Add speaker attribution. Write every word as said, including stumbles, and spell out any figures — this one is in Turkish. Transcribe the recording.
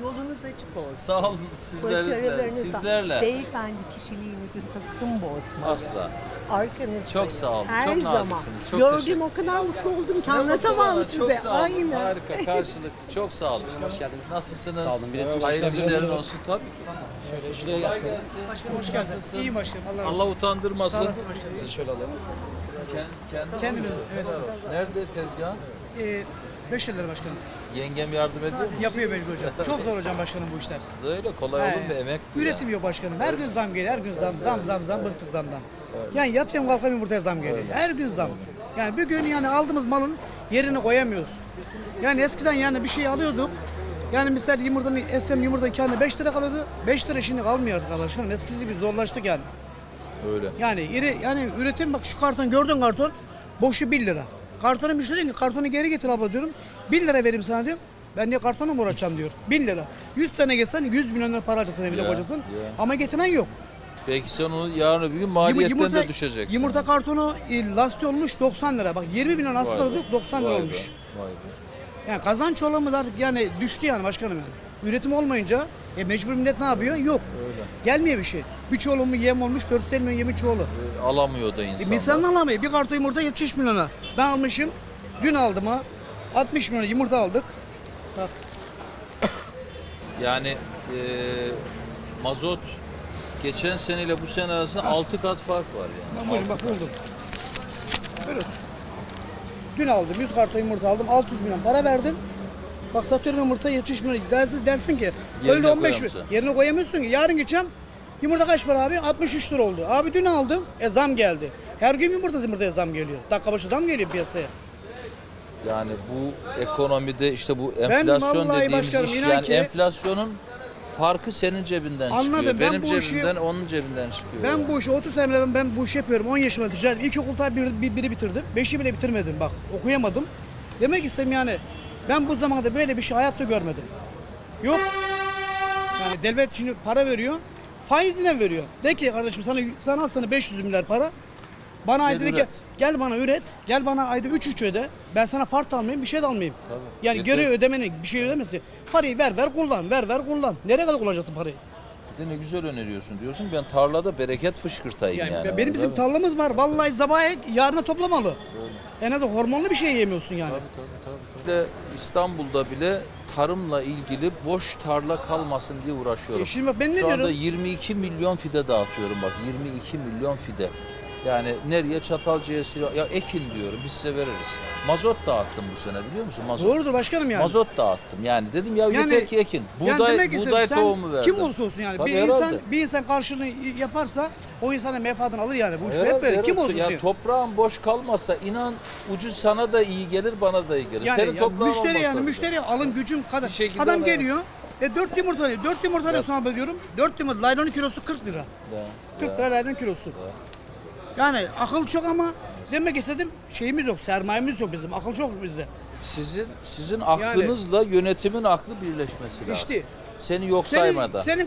Speaker 1: Yolunuz açık olsun.
Speaker 2: Sağ olun sizlerle.
Speaker 1: Başarılarınız.
Speaker 2: Sizlerle.
Speaker 1: Beyefendi kişiliğinizi sakın bozmayın.
Speaker 2: Asla.
Speaker 1: Arkanızdayım.
Speaker 2: Çok sağ olun,
Speaker 1: Her
Speaker 2: çok
Speaker 1: zaman.
Speaker 2: naziksiniz, çok
Speaker 1: Gördüğüm
Speaker 2: teşekkür-
Speaker 1: o kadar mutlu oldum ki
Speaker 2: Ne mutlu
Speaker 1: anlatamam
Speaker 2: bana,
Speaker 1: size.
Speaker 2: Çok sağ olun.
Speaker 1: Aynen.
Speaker 2: Harika karşılık. Çok sağ olun.
Speaker 3: Hoş geldiniz.
Speaker 2: Nasılsınız?
Speaker 3: Sağ olun, bir resim
Speaker 2: Hayırlı
Speaker 3: çekebilir
Speaker 2: işlerin
Speaker 3: misiniz?
Speaker 2: olsun tabii ki.
Speaker 3: Evet, şuraya
Speaker 2: Kolay
Speaker 3: gelsene.
Speaker 2: gelsin.
Speaker 4: Başkanım hoş geldin.
Speaker 2: Nasılsın?
Speaker 4: İyiyim başkanım. Allah razı olsun.
Speaker 2: Allah utandırmasın.
Speaker 4: Sağ olasın başkanım.
Speaker 3: Sizi şöyle alalım.
Speaker 2: Kendi,
Speaker 4: Kendim, evet.
Speaker 2: Helal olsun. Nerede tezgah?
Speaker 4: Ee, beş yıldır başkanım.
Speaker 2: Yengem yardım ediyor mu?
Speaker 4: Yapıyor mecbur hocam. Çok zor hocam başkanım bu işler.
Speaker 2: Öyle kolay olur mu?
Speaker 4: He.
Speaker 2: Emek bu
Speaker 4: Üretim
Speaker 2: ya.
Speaker 4: yok başkanım. Her gün zam geliyor. Her gün zam zam zam zam bıktık zamdan. Yani yatıyorum kalkamıyorum yumurtaya zam geliyor. Her gün zam. Yani bir gün yani aldığımız malın yerini koyamıyoruz. Yani eskiden yani bir şey alıyorduk. Yani misal yumurtanın eskiden yumurtanın kendine beş lira kalıyordu. beş lira şimdi kalmıyor artık başkanım. Eskisi gibi zorlaştık yani.
Speaker 2: Öyle.
Speaker 4: Yani iri, yani üretim bak şu karton gördün karton boşu bir lira. Kartonu müşteri diyor ki kartonu geri getir abla diyorum. bir lira vereyim sana diyor. Ben niye kartonla mı uğraşacağım diyor. bin lira. yüz tane geçsen yüz milyon lira para harcasın evine
Speaker 2: Ya,
Speaker 4: kocasın.
Speaker 2: ya.
Speaker 4: Ama getiren yok.
Speaker 2: Belki sen onu yarın öbür gün maliyetten
Speaker 4: Yumurta-
Speaker 2: de düşeceksin.
Speaker 4: Yumurta kartonu e, lastik olmuş doksan lira. Bak yirmi milyon asıl
Speaker 2: Vay be.
Speaker 4: alıyorduk doksan lira
Speaker 2: Vay be,
Speaker 4: olmuş.
Speaker 2: vay be.
Speaker 4: Yani kazanç oranımız artık yani düştü yani başkanım yani. Üretim olmayınca e, mecbur millet ne yapıyor? Yok.
Speaker 2: Öyle.
Speaker 4: Gelmiyor bir şey. Bir çuvalım yem olmuş dört yüz milyon yemi çuvalı.
Speaker 2: E, Alamıyor da
Speaker 4: E,
Speaker 2: insanlar.
Speaker 4: Misalini alamıyor. Bir karton yumurta yetmiş milyona. Ben almışım. Dün aldım ha. altmış milyon yumurta aldık. Bak.
Speaker 2: Yani e, mazot geçen seneyle bu sene arasında altı kat fark var yani.
Speaker 4: Ben buldum bak buldum. Görüyorsun. Dün aldım. yüz karton yumurta aldım. altı yüz milyon para verdim. Bak satıyorum yumurta yetmiş milyon. Der- Dersin ki
Speaker 2: Yerine
Speaker 4: öyle on beş
Speaker 2: koyamazsın.
Speaker 4: yerine koyamıyorsun ki. Yarın gideceğim. Yumurta kaç para abi? altmış üç lira oldu. Abi dün aldım. E zam geldi. Her gün yumurta yumurtaya zam geliyor. Dakika başı zam geliyor piyasaya.
Speaker 2: Yani bu ekonomide işte bu enflasyon
Speaker 4: vallahi
Speaker 2: dediğimiz
Speaker 4: başkanım
Speaker 2: iş
Speaker 4: inan
Speaker 2: yani
Speaker 4: ki-
Speaker 2: enflasyonun farkı senin cebinden
Speaker 4: Anladım,
Speaker 2: çıkıyor.
Speaker 4: ben
Speaker 2: Benim
Speaker 4: bu işi-
Speaker 2: cebimden onun cebinden çıkıyor.
Speaker 4: Ben
Speaker 2: yani.
Speaker 4: bu işi otuz sene ben, ben bu işi yapıyorum. on yaşımda ticaret. İlkokul tabi bir, bir, biri bitirdim. beşi bile bitirmedim bak. Okuyamadım. Demek istediğim yani ben bu zamanda böyle bir şey hayatta görmedim. Yok. Yani devlet şimdi para veriyor. Faizine veriyor. De ki kardeşim sana sana al sana beş yüz milyar para. Bana ayda de ki
Speaker 2: üret.
Speaker 4: gel bana üret. Gel bana ayda üç üç öde. Ben sana fart almayayım, bir şey de almayayım.
Speaker 2: Tabii.
Speaker 4: Yani
Speaker 2: Yeter.
Speaker 4: geri ödemenin bir şey ödemesi. Parayı ver ver kullan. Ver ver kullan. Nereye kadar kullanacaksın parayı?
Speaker 2: Bir de ne güzel öneriyorsun diyorsun. Ben tarlada bereket fışkırtayım yani.
Speaker 4: Yani, benim bizim
Speaker 2: Tabii.
Speaker 4: tarlamız var. Vallahi sabah yarına toplamalı. En azından hormonlu bir şey yemiyorsun yani.
Speaker 2: Tabii, tabii, tabii. Bir de İstanbul'da bile tarımla ilgili boş tarla kalmasın diye uğraşıyorum.
Speaker 4: E şimdi bak ben ne
Speaker 2: Şu anda
Speaker 4: diyorum?
Speaker 2: yirmi iki milyon fide dağıtıyorum bak. yirmi iki milyon fide. Yani nereye Çatalca'ya Sivas- ya ekin diyorum biz size veririz. Mazot dağıttım bu sene biliyor musun? Mazot.
Speaker 4: Doğrudur başkanım yani.
Speaker 2: Mazot dağıttım. Yani dedim ya
Speaker 4: Yani-
Speaker 2: yeter ki ekin.
Speaker 4: Yani
Speaker 2: Buğday
Speaker 4: demek istedim,
Speaker 2: buğday
Speaker 4: sen
Speaker 2: tohumu verdim.
Speaker 4: kim olursa olsun yani
Speaker 2: Tabii
Speaker 4: bir
Speaker 2: herhalde.
Speaker 4: insan bir insan karşılığını yaparsa o insana menfaatını alır yani. Bu iş
Speaker 2: Herhalde,
Speaker 4: hep böyle. Kim
Speaker 2: herhalde.
Speaker 4: olursa
Speaker 2: Ya
Speaker 4: olsun.
Speaker 2: toprağın boş kalmasa inan ucuz sana da iyi gelir bana da iyi gelir.
Speaker 4: Yani,
Speaker 2: Senin
Speaker 4: yani
Speaker 2: toprağın
Speaker 4: müşteri
Speaker 2: olmasa
Speaker 4: yani
Speaker 2: bile.
Speaker 4: müşteri alım gücüm kadar.
Speaker 2: Bir şekilde
Speaker 4: Adam
Speaker 2: alamaz.
Speaker 4: geliyor. E dört yumurta alıyor. dört yumurta alıyorsun abi diyorum. dört yumurta laylonun kilosu kırk lira.
Speaker 2: Ya,
Speaker 4: kırk
Speaker 2: ya.
Speaker 4: lira laylon kilosu. Yani akıl çok ama demek istedim şeyimiz yok, sermayemiz yok bizim. Akıl çok bizde.
Speaker 2: Sizin sizin aklınızla yönetimin aklı birleşmesi lazım.
Speaker 4: İşte.
Speaker 2: Seni yok
Speaker 4: Senin,
Speaker 2: saymadan.
Speaker 4: senin